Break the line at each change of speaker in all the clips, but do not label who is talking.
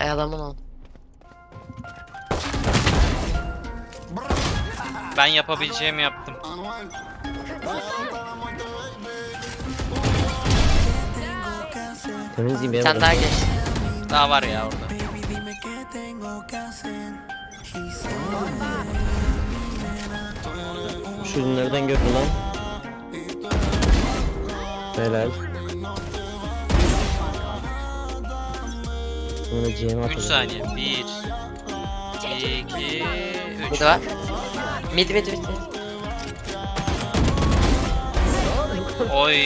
Adamın ol.
Ben yapabileceğimi yaptım.
Temizleyeyim benim.
Sen daha geç.
Daha var ya orada.
Şu ürünlerden gördü lan. Helal. Sonra C'ye
3 saniye. 1 2 3.
Mid var. Mid.
Oy.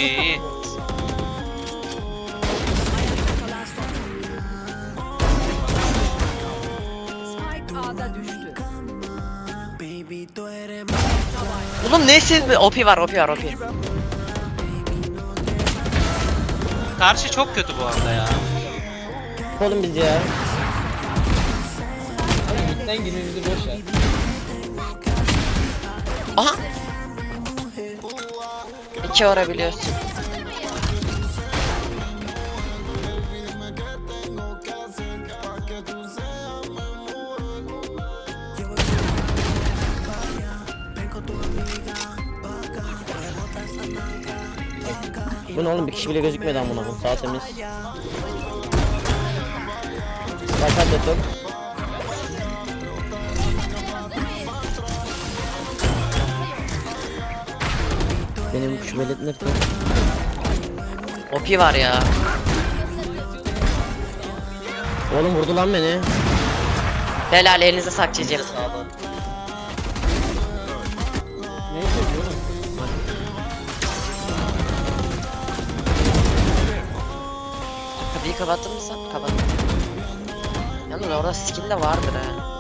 Spike A'da düştü.
Oğlum neyse OP var.
Karşı çok kötü bu arada ya.
Oğlum biz ya.
Sen gününüzü boş ver.
Aha. 2 vurabiliyorsun.
Bu ne oğlum, bir kişi bile gözükmedi amına koyayım. Sağ temiz. Başar detok. Benim şu velet nerede?
OP var ya.
Oğlum vurdu lan beni.
Helal, elinize saklayacağım.
Neyse diyorum.
Kapıyı kapattın mı sen? Kapattım. Yalnız orada skill de vardır ha.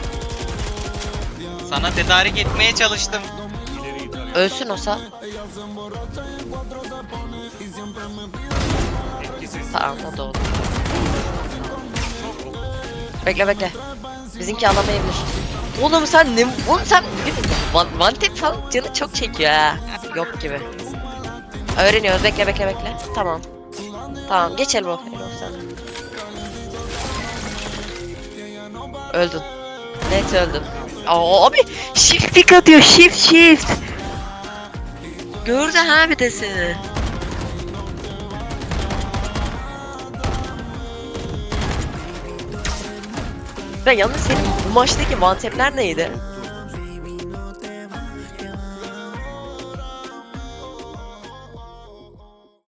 Sana tedarik etmeye çalıştım.
Ölsün o sal. Tamam, o da oldu. Bekle. Bizimki alamayabilir. Oğlum sen ne? Oğlum sen one tap falan canı çok çekiyor ha. Yok gibi. Öğreniyoruz. Bekle. Tamam. Geç Elbow sen. Öldün. Net öldün. Aa, abi shift pick atıyor. Shift. Gördü ha bir de seni. Ben yalnız senin bu maçtaki one tap'ler neydi?